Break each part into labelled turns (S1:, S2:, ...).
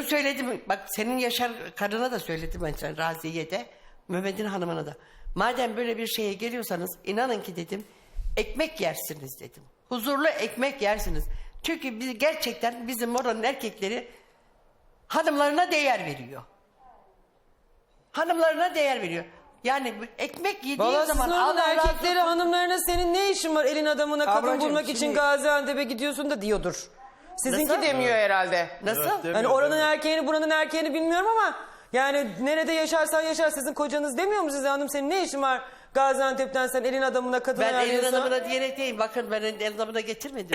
S1: Şunu söyledim, bak senin Yaşar karına da söyledim ben sana, Raziye de, Mehmet'in hanımına da. Madem böyle bir şeye geliyorsanız inanın ki dedim, ekmek yersiniz dedim. Huzurlu ekmek yersiniz. Çünkü biz gerçekten bizim oranın erkekleri hanımlarına değer veriyor. Hanımlarına değer veriyor. Yani ekmek yediği
S2: Valla
S1: zaman
S2: sizin oranın
S1: Allah razı
S2: erkekleri
S1: olsun.
S2: hanımlarına senin ne işin var elin adamına kadın
S3: Ablacığım,
S2: bulmak için
S3: şimdi-
S2: Gaziantep'e gidiyorsun da diyordur. Sizinki
S1: Nasıl?
S2: demiyor herhalde.
S1: Nasıl?
S2: Yani oranın erkeğini buranın erkeğini bilmiyorum ama yani nerede yaşarsan yaşar sizin kocanız demiyor mu size hanım senin ne işin var Gaziantep'ten sen elin adamına kadın
S1: Ben elin
S2: ayarlıyorsun.
S1: adamına diyerek değil. Bakın ben elin adamına getirmedim.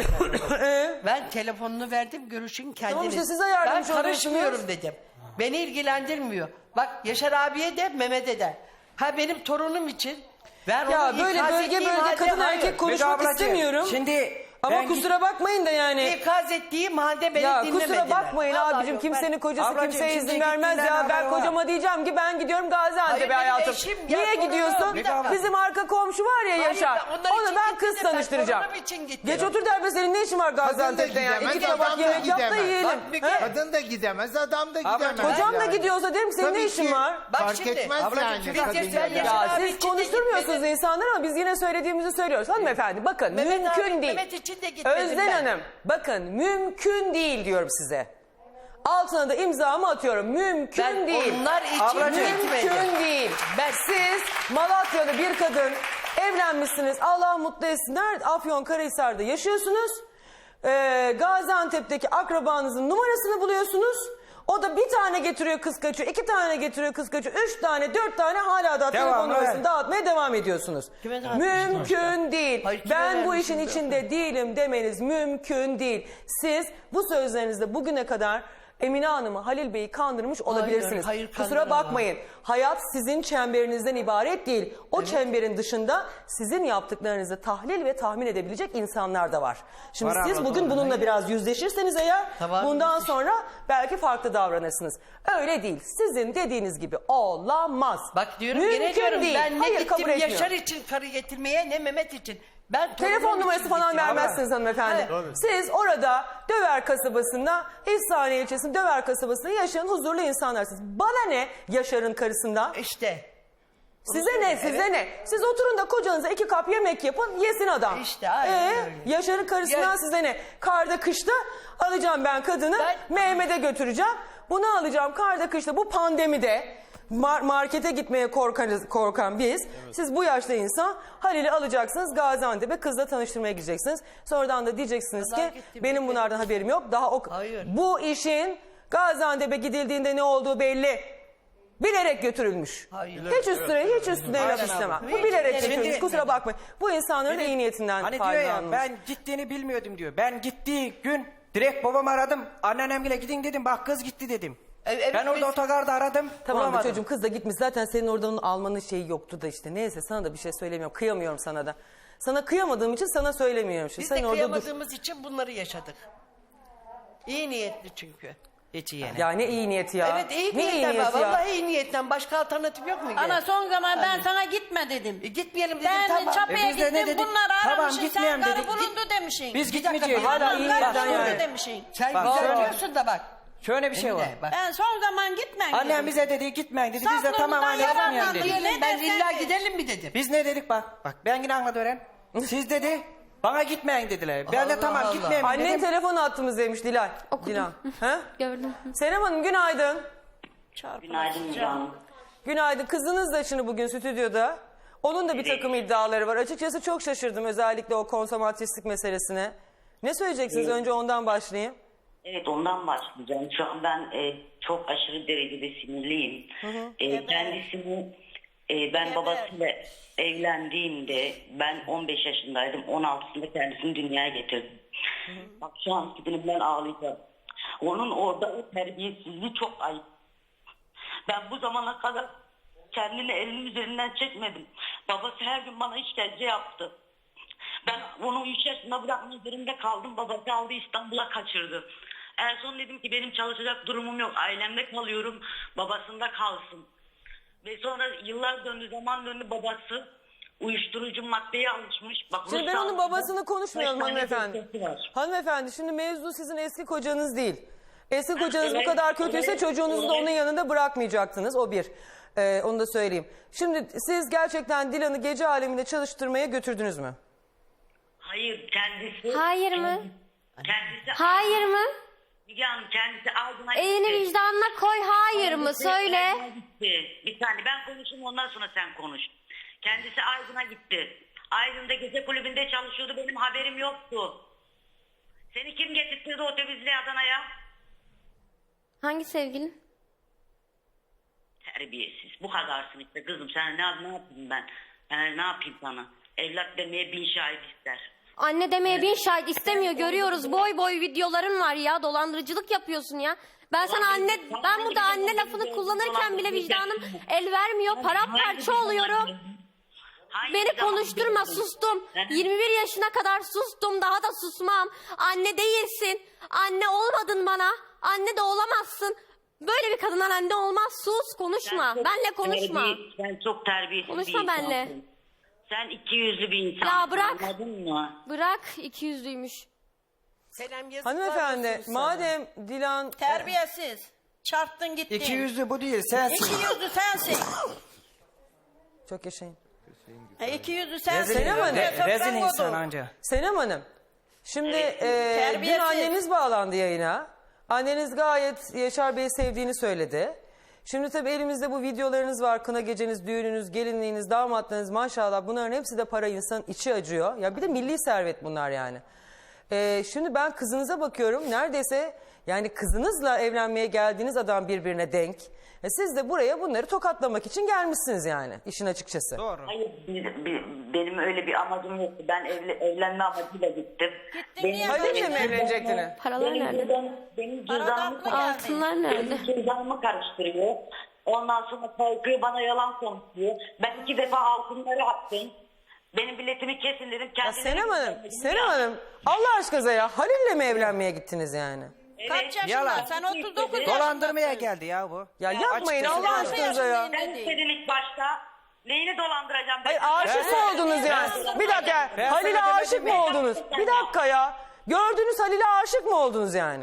S1: Ben telefonunu verdim, görüşün kendiniz.
S2: Tamam işte siz ayarlamış
S1: Ben karışmıyorum
S2: oluyorsunuz.
S1: dedim. Beni ilgilendirmiyor. Bak Yaşar abiye de Mehmet'e de. Ha benim torunum için. Ben
S2: Ya
S1: onu
S2: böyle
S1: ikaz
S2: bölge
S1: ettiğim
S2: bölge
S1: halde
S2: kadın
S1: hayır.
S2: erkek konuşmak
S3: ablacığım,
S2: istemiyorum.
S3: Şimdi
S2: Ama
S3: ben
S2: kusura bakmayın da yani.
S1: İkaz ettiğim halde beni
S2: Ya
S1: dinlemediler.
S2: kusura bakmayın
S1: Vallahi
S2: abicim
S1: yok,
S2: kimsenin
S1: ben-
S2: kocası
S3: Ablacığım,
S2: kimseye
S3: şimdi
S2: izin vermez
S3: gittiğinden
S2: ya. Ben
S3: haber var.
S2: kocama diyeceğim ki ben gidiyorum
S1: Hayır,
S2: Gaziantep'e
S1: benim
S2: hayatım.
S1: eşim,
S2: Niye
S1: ya,
S2: gidiyorsun?
S1: bir dakika.
S2: Bizim arka komşu var ya
S1: Hayır,
S2: Yaşar.
S1: ben onlar için
S2: Onu ben
S1: gittim
S2: kız
S1: de ben
S2: tanıştıracağım.
S1: torunum için gittim.
S2: Geç otur derbe senin ne işin var Gaziantep'te ya?
S4: gidemez,
S2: İki tabak
S4: adam da
S2: yemek yap da
S4: gidemez.
S2: yiyelim.
S1: Bak bir
S2: He?
S1: kere-
S4: Kadın da gidemez, adam da gidemez.
S2: Kocam da
S4: yani.
S2: gidiyorsa derim ki senin
S4: Tabii
S2: ne işin
S4: ki.
S2: var?
S1: Bak
S4: Fark
S1: şimdi,
S4: etmez
S3: ablacığım,
S4: yani.
S3: siz
S4: kadın
S1: yaşayan
S4: ya da-
S1: yaşa-
S2: Ya
S1: abi
S2: siz
S1: için de
S2: konuşturmuyorsunuz
S1: gitmedi.
S2: insanları ama biz yine söylediğimizi söylüyoruz. Hanımefendi bakın
S1: Mehmet
S2: mümkün
S1: abi,
S2: değil.
S1: Mehmet için de gitmedim
S2: Özden
S1: ben.
S2: Hanım bakın mümkün değil diyorum size. Altına da imzamı atıyorum. Mümkün
S1: Ben
S2: değil.
S1: onlar için
S2: Mümkün
S1: gitmedim.
S2: değil. Siz Malatya'da bir kadın evlenmişsiniz. Allah mutlu etsin. Nerede? Afyonkarahisar'da yaşıyorsunuz. Gaziantep'teki akrabanızın numarasını buluyorsunuz. O da bir tane getiriyor kız kaçıyor, iki tane getiriyor kız kaçıyor, üç tane, dört tane hala da telefon
S3: Devam,
S2: numarasını
S3: evet.
S2: dağıtmaya devam ediyorsunuz.
S1: Kime dağıtmışsın?
S2: Mümkün değil.
S1: Hayır, kime
S2: Ben bu
S1: vermişsin
S2: işin
S1: de?
S2: içinde değilim demeniz mümkün değil. Siz bu sözlerinizde bugüne kadar Emine Hanım'ı, Halil Bey'i kandırmış olabilirsiniz.
S1: hayır,
S2: Kusura
S1: kandıramam.
S2: bakmayın. Hayat sizin çemberinizden ibaret değil. O çemberin dışında sizin yaptıklarınızı tahlil ve tahmin edebilecek insanlar da var. Şimdi
S3: Var
S2: siz
S3: abla,
S2: bugün
S3: doğru.
S2: bununla biraz yüzleşirseniz eğer
S1: Tamam,
S2: bundan sonra belki farklı davranırsınız. Öyle değil. Sizin dediğiniz gibi olamaz.
S1: Bak diyorum
S2: Mümkün
S1: gene diyorum
S2: değil.
S1: ben ne
S2: Hayır, kabul
S1: gittim
S2: etmiyorum.
S1: Yaşar için karı getirmeye ne Mehmet için. Ben
S2: Telefon
S1: torunum
S2: numarası
S1: için
S2: falan
S1: gittim.
S2: vermezsiniz hanımefendi. Siz orada Döver kasabasında, İhsaniye ilçesinde Döver kasabasında yaşayan huzurlu insanlarsınız. Bana ne Yaşar'ın karısından?
S1: İşte.
S2: Size ne, size ne? Siz oturun da kocanıza 2 kap yemek yapın, yesin adam.
S1: İşte, aynen öyle.
S2: Yaşar'ın karısından
S1: Ya-
S2: size ne? Karda kışta alacağım ben kadını, Mehmet'e götüreceğim. Bunu alacağım karda kışta, bu pandemide markete gitmeye korkan biz. Siz bu yaşta insan Halil'i alacaksınız, Gaziantep'e kızla tanıştırmaya gideceksiniz. Sonradan da diyeceksiniz
S1: Allah
S2: ki
S1: gitti,
S2: benim
S1: bitti.
S2: bunlardan haberim yok.
S1: Hayır.
S2: Bu işin Gaziantep'e gidildiğinde ne olduğu belli. Bilerek götürülmüş.
S1: Hayır.
S2: Hiç üstüne laf istemem. Bu bilerek götürülmüş. Kusura bakmayın. Bu insanların da iyi niyetinden
S3: Hani diyor ya
S2: faydalanmış.
S3: ben gittiğini bilmiyordum diyor. Ben gittiği gün direkt babamı aradım. Anneannemle gidin dedim. Bak kız gitti dedim.
S1: Evet,
S3: ben orada
S1: biz-
S3: otogarda aradım.
S2: Tamam da
S3: bulamadım.
S2: çocuğum kız da gitmiş. Zaten senin oradan onu almanın şeyi yoktu da işte. Neyse sana da bir şey söylemiyorum. Kıyamıyorum sana da. Sana kıyamadığım için sana söylemiyorum. Şimdi.
S1: Biz
S2: Sen
S1: de
S2: orada dur.
S1: kıyamadığımız için bunları yaşadık. İyi niyetli çünkü.
S3: Hiç iyi yani.
S2: Ya ne iyi niyeti ya.
S1: Evet iyi
S2: ne iyi
S1: niyetten
S2: niyeti
S1: var.
S2: ya.
S1: Vallahi iyi niyetten. Başka alternatif yok mu?
S5: Ana son zaman ben sana gitme dedim.
S1: Gitmeyelim dedim
S5: Ben
S1: tamam.
S5: çapıya
S3: biz de ne
S5: gittim
S3: dedik?
S5: bunları
S3: Tamam,
S5: aramışsın sen
S3: gitmeyelim
S5: karı
S3: dedik.
S5: bulundu demişsin.
S3: Biz
S1: Bir dakika,
S3: gitmeyeceğiz.
S1: bak,
S2: hala
S5: Tamam,
S2: iyi
S5: karı
S2: niyetten
S5: bulundu
S2: yani.
S5: demişsin.
S1: Sen
S3: Bak,
S1: güzel
S3: şöyle-
S1: diyorsun da bak.
S3: Şöyle bir şey var.
S1: Bak.
S5: Ben son zaman gitme
S3: Annem
S5: dedim.
S3: bize dedi gitmeyin dedi. Biz de
S5: Saflığımızdan
S3: tamam anne
S5: yararlandık.
S3: gitmeyelim dedik.
S5: Ne
S1: Ben
S5: dersen
S1: illa
S5: de.
S1: gidelim mi dedim.
S3: Biz ne dedik bak. Bak ben yine anladım öğren. Siz dedi bana gitmeyin dediler. Ben de
S1: Allah
S3: tamam
S1: Allah.
S3: gitmeyelim
S2: Annen
S3: dedim.
S2: telefon attığımız demiş Dilay. Dilan. Ha?
S6: Gördüm.
S2: Senem Hanım günaydın.
S7: Günaydın canım.
S2: Günaydın. Kızınız da şimdi bugün stüdyoda. Onun da bir takım iddiaları var. Açıkçası çok şaşırdım özellikle o konsomatristik meselesine. Ne söyleyeceksiniz? Önce ondan başlayayım.
S7: Evet ondan başlayacağım. Şu an ben çok aşırı derecede sinirliyim. Kendisini ben babasıyla evlendiğimde ben 15 yaşındaydım. 16'sında kendisini dünyaya getirdim. Bak şu an ben ağlayacağım. Onun orada o terbiyesizliği çok ayıp. Ben bu zamana kadar kendini elinin üzerinden çekmedim. Babası her gün bana işkence yaptı. Ben onu 3 yaşında bırakmak zorunda kaldım. Babası aldı İstanbul'a kaçırdı. En son dedim ki benim çalışacak durumum yok. Ailemde kalıyorum. Babasında kalsın. Ve sonra yıllar döndü, zaman döndü, babası uyuşturucu maddeye alışmış. Bak,
S2: Şimdi ben
S7: ruhsal-
S2: onun babasını konuşmayalım
S7: Kaç tane
S2: hanımefendi.
S7: dosyası var.
S2: Hanımefendi şimdi mevzu sizin eski kocanız değil. Eski kocanız bu kadar kötüyse çocuğunuzu da onun yanında bırakmayacaktınız. O bir. Onu da söyleyeyim. Şimdi siz gerçekten Dilan'ı gece aleminde çalıştırmaya götürdünüz mü?
S7: Hayır kendisi.
S6: Hayır mı?
S7: Kendisi.
S6: Hayır mı?
S7: Müge Hanım kendisi Aydın'a
S6: Elini
S7: gitti.
S6: vicdanına koy, hayır mı?
S7: Kendisi
S6: Söyle.
S7: Aydın'a gitti. Bir saniye ben konuşayım ondan sonra sen konuş. Kendisi Aydın'a gitti. Aydın'da gece kulübünde çalışıyordu benim haberim yoktu. Seni kim getirtirdi otobüsle Adana'ya?
S6: Hangi sevgilin?
S7: Terbiyesiz. Bu kadarsın işte kızım. Sen ne yapayım ben? Ne yapayım sana? Evlat demeye 1000 şahit ister.
S6: Anne demeye 1000 şahit istemiyor, görüyoruz. Boy boy videoların var ya, dolandırıcılık yapıyorsun ya. Ben sana anne, ben burada anne lafını kullanırken bile vicdanım el vermiyor. Paramparça oluyorum. Beni konuşturma, sustum. 21 yaşına kadar sustum, daha da susmam. Anne değilsin. Anne olmadın bana. Anne de olamazsın. Böyle bir kadından anne olmaz. Sus, konuşma. Benle konuşma.
S7: Sen çok terbiyesiz
S6: Konuşma
S7: bir insansın.
S6: benle.
S7: Sen 200'lü bir insansın.
S6: Ya bırak.
S7: Anladın mı?
S6: Bırak, 200'lüymüş.
S1: Selam yazıklar
S2: Hanımefendi
S1: olsun sana.
S2: madem Dilan...
S5: Terbiyesiz. Çarptın gittin.
S3: 200'lü bu değil sensin.
S5: 200'lü sensin.
S2: Çok yaşayın.
S5: 200'lü sensin.
S2: Senem Hanım.
S3: Rezil insan anca.
S2: Senem Hanım, şimdi dün
S5: terbiyesiz.
S2: anneniz bağlandı yayına. Anneniz gayet Yaşar Bey'i sevdiğini söyledi. Şimdi tabii elimizde bu videolarınız var. Kına geceniz, düğününüz, gelinliğiniz, damatlığınız maşallah. Bunların hepsi de para, insanın içi acıyor. Ya bir de milli servet bunlar yani. Şimdi ben kızınıza bakıyorum. Neredeyse yani kızınızla evlenmeye geldiğiniz adam birbirine denk. Siz de buraya bunları tokatlamak için gelmişsiniz yani işin açıkçası.
S3: Doğru.
S7: Hayır benim öyle bir amacım yoktu. Ben evlenme amacıyla gittim.
S5: niye
S2: Halil'le mi evlenecektiniz?
S6: Paralar nerede?
S7: Benim
S5: Paradan mı
S7: cüzdanımı
S5: geldi?
S6: Altınlar nerede?
S7: Benim cüzdanımı karıştırıyor. Ondan sonra kalkıyor bana yalan konuşuyor. Ben 2 defa altınları attım. Benim biletimi kesin dedim.
S2: Ya
S7: Kendine
S2: Senem Hanım Allah aşkına ya Halil'le mi evlenmeye gittiniz yani?
S5: Kaç yaşında?
S3: Yalan.
S5: Sen 39 yaşındasın.
S3: Dolandırmaya geldi ya bu.
S2: Ya yapmayın
S3: Açıkçası
S2: Allah
S3: yani.
S2: aşkınıza ya.
S7: Ben istedim ilk başta. Neyini dolandıracağım?
S2: Hayır aşık mı oldunuz yani? Bir dakika
S3: Ben
S2: Halil'e
S3: sana
S2: aşık
S3: demedim
S2: mı
S3: mi?
S2: oldunuz? Bir dakika ya. Gördünüz Halil'e aşık mı oldunuz yani?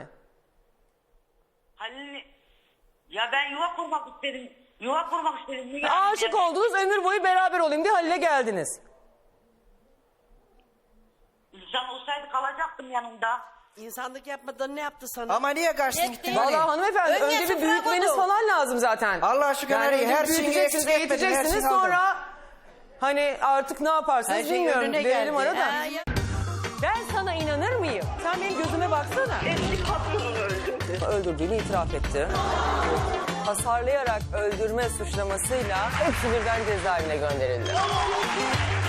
S7: Halil, ya ben yuva kurmak istedim. Yuva kurmak istedim. Niye
S2: Aşık oldunuz ömür boyu beraber olayım diye Halil'e geldiniz.
S7: İnsan olsaydı kalacaktım yanında.
S1: İnsanlık yapmadan ne yaptı sana?
S3: Ama niye kaçtın gittin?
S2: Vallahi hanımefendi
S5: Önce
S2: önce bir
S5: sıfıra
S2: büyütmeniz
S5: koydu.
S2: falan lazım zaten.
S3: Allah aşkına
S2: önce
S3: her şeyi
S2: büyüteceksiniz,
S3: eksik etmedin, her
S2: eğiteceksiniz
S3: şeyi aldın.
S2: sonra hani artık ne yaparsınız
S1: Her şey
S2: bilmiyorum.
S1: önüne
S2: Verelim
S1: geldi.
S2: arada.
S1: Ha, ya-
S2: Ben sana inanır mıyım? Sen benim gözüme baksana.
S7: Eski patronunu öldürdü.
S2: Öldürdüğünü itiraf etti. Hasarlayarak öldürme suçlamasıyla hepsi birden cezaevine gönderildi.